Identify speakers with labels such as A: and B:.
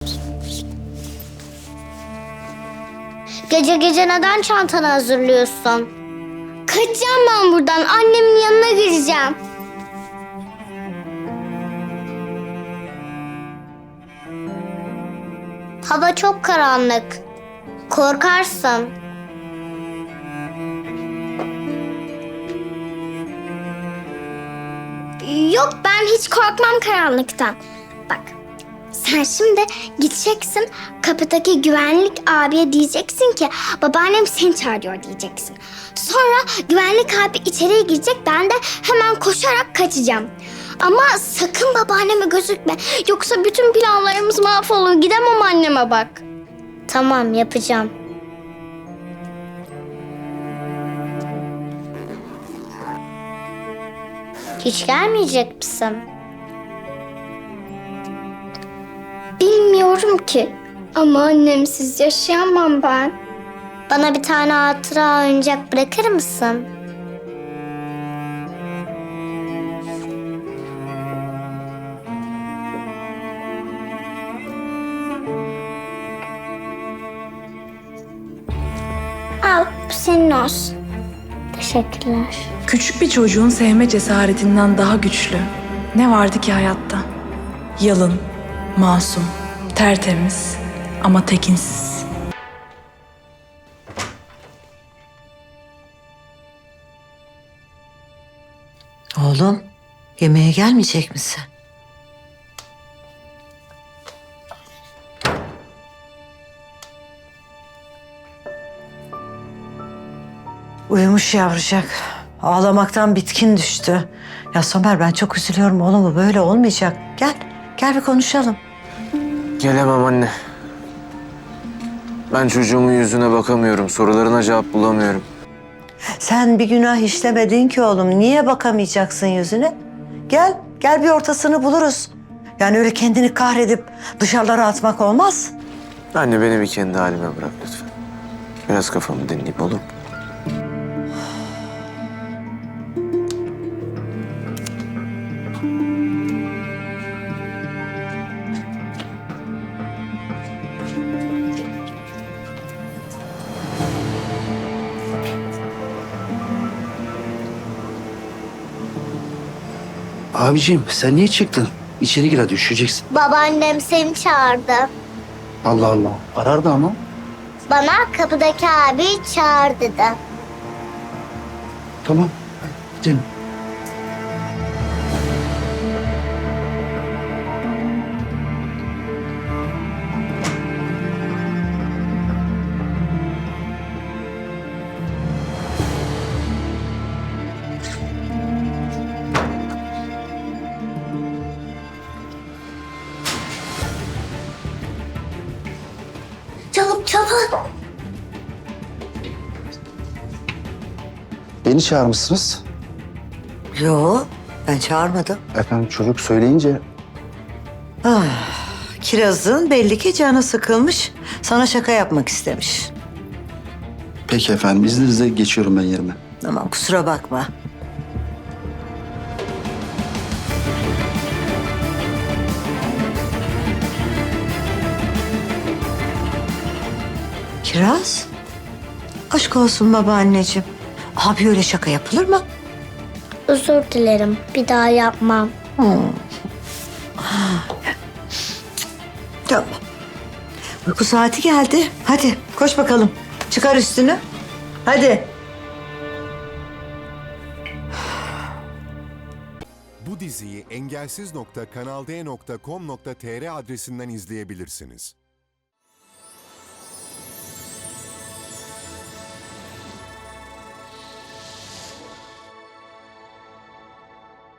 A: Gece gece neden çantanı hazırlıyorsun? Kaçacağım ben buradan. Annemin yanına gireceğim. Hava çok karanlık. Korkarsın. Yok, ben hiç korkmam karanlıktan. Bak, sen şimdi gideceksin, kapıdaki güvenlik abiye diyeceksin ki babaannem seni çağırıyor diyeceksin. Sonra güvenlik abi içeriye girecek, ben de hemen koşarak kaçacağım. Ama sakın babaanneme gözükme, yoksa bütün planlarımız mahvolur. Gidemem anneme bak. Tamam, yapacağım. Hiç gelmeyecek misin? Bilmiyorum ki. Ama annemsiz yaşayamam ben. Bana bir tane hatıra oyuncak bırakır mısın? Al, bu senin olsun. Teşekkürler.
B: Küçük bir çocuğun sevme cesaretinden daha güçlü ne vardı ki hayatta? Yalın, masum, tertemiz ama tekinsiz.
C: Oğlum, yemeğe gelmeyecek misin? Uyumuş yavrucak. Ağlamaktan bitkin düştü. Ya Somer, ben çok üzülüyorum oğlum, bu böyle olmayacak. Gel bir konuşalım.
D: Gelemem anne. Ben çocuğumun yüzüne bakamıyorum. Sorularına cevap bulamıyorum.
C: Sen bir günah işlemedin ki oğlum. Niye bakamayacaksın yüzüne? Gel bir ortasını buluruz. Yani öyle kendini kahredip dışarılara atmak olmaz.
D: Anne beni bir kendi halime bırak lütfen. Biraz kafamı dinleyeyim olur mu?
E: Abiciğim sen niye çıktın? İçeri gir hadi, üşüyeceksin.
A: Babaannem seni çağırdı.
E: Allah Allah. Arardı ama.
A: Bana kapıdaki abi çağır dedi.
E: Tamam. Gidelim.
A: Çabuk.
E: Beni çağırmışsınız.
C: Yo, ben çağırmadım.
E: Efendim çocuk söyleyince
C: Kiraz'ın belli ki canı sıkılmış. Sana şaka yapmak istemiş.
E: peki efendim, izninizle geçiyorum ben yerime.
C: Tamam, kusura bakma. Kiraz? Aşk olsun babaanneciğim. Abi öyle şaka yapılır mı?
A: Özür dilerim. Bir daha yapmam.
C: Tamam. Uyku saati geldi. Hadi koş bakalım. Çıkar üstünü. Hadi.
F: Bu diziyi engelsiz.kanalde.com.tr adresinden izleyebilirsiniz.